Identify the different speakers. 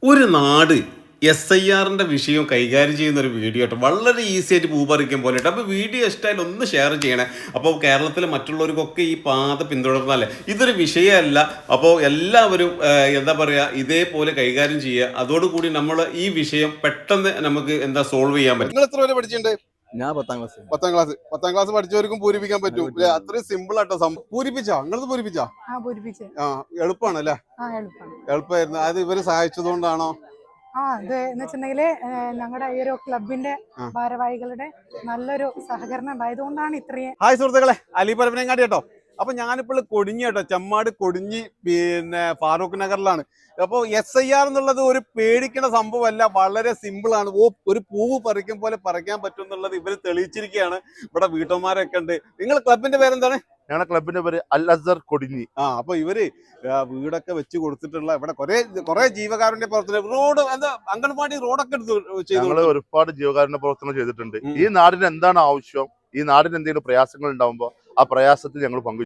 Speaker 1: ഒരു നാട് SIR-ന്റെ വിഷയം കൈകാര്യം ചെയ്യുന്ന ഒരു വീഡിയോ ആയിട്ട് വളരെ ഈസി ആയിട്ട് പൂ പറിക്കും പോലെ കേട്ടോ. അപ്പോൾ വീഡിയോ ഇഷ്ടമായാലും ഒന്ന് ഷെയർ ചെയ്യണേ. അപ്പോൾ കേരളത്തിലെ മറ്റുള്ളവർക്കൊക്കെ ഈ പാത പിന്തുടർന്നാലേ ഇതൊരു വിഷയമല്ല. അപ്പോൾ എല്ലാവരും എന്താ പറയുക, ഇതേപോലെ കൈകാര്യം ചെയ്യുക. അതോടുകൂടി നമ്മൾ ഈ വിഷയം പെട്ടെന്ന് നമുക്ക് സോൾവ് ചെയ്യാൻ പറ്റും.
Speaker 2: നിങ്ങൾ എത്ര വരെ പഠിച്ചിട്ടുണ്ട്?
Speaker 3: ഞാൻ 10ാം ക്ലാസ്.
Speaker 2: 10ാം ക്ലാസ് പഠിച്ചവർക്കും പൂരിപ്പിക്കാൻ പറ്റും. അത്രയും സിമ്പിൾ ആട്ടോ പൂരിപ്പിച്ചാ. നിങ്ങളത് പൂരിപ്പിച്ചാ? എളുപ്പമാണ് അല്ലേ? എളുപ്പമായിരുന്നു. അത് ഇവര് സഹായിച്ചതുകൊണ്ടാണോ?
Speaker 4: ഇത് എന്ന് വെച്ചിട്ടുണ്ടെങ്കില് ഞങ്ങളുടെ ഈ ഒരു ക്ലബിന്റെ ഭാരവാഹികളുടെ നല്ലൊരു സഹകരണം ഉണ്ടായതുകൊണ്ടാണ് ഇത്രയും.
Speaker 2: ഹായ് സുഹൃത്തുക്കളെ, അലി പരപ്പനങ്ങാടി കേട്ടോ. അപ്പൊ ഞാനിപ്പോൾ കൊടിഞ്ഞി കേട്ടോ, ചെമ്മാട് കൊടിഞ്ഞി, പിന്നെ ഫാറൂഖ് നഗറിലാണ്. അപ്പോൾ SIR എന്നുള്ളത് ഒരു പേടിക്കുന്ന സംഭവമല്ല, വളരെ സിമ്പിൾ ആണ്. ഒരു പൂവ് പറിക്കും പോലെ പറിക്കാൻ പറ്റും എന്നുള്ളത് ഇവര് തെളിയിച്ചിരിക്കുകയാണ്. ഇവിടെ വീട്ടന്മാരൊക്കെ ഉണ്ട്. നിങ്ങൾ ക്ലബിന്റെ പേരെന്താണ്?
Speaker 5: ഞങ്ങളുടെ ക്ലബിന്റെ പേര് അൽ അസർ കൊടിഞ്ഞി.
Speaker 2: അപ്പൊ ഇവര് വീടൊക്കെ വെച്ച് കൊടുത്തിട്ടുള്ള ഇവിടെ കുറെ ജീവകാരുണ്യ പ്രവർത്തനം, റോഡ് അംഗൻവാടി റോഡൊക്കെ
Speaker 5: ഞങ്ങൾ ഒരുപാട് ജീവകാരുണ്യ പ്രവർത്തനം ചെയ്തിട്ടുണ്ട്. ഈ നാടിന് എന്താണ് ആവശ്യം, ഈ നാടിന് എന്തെങ്കിലും പ്രയാസങ്ങൾ ഉണ്ടാവുമ്പോൾ ആ പ്രയാസത്തിൽ ഞങ്ങൾ പങ്കു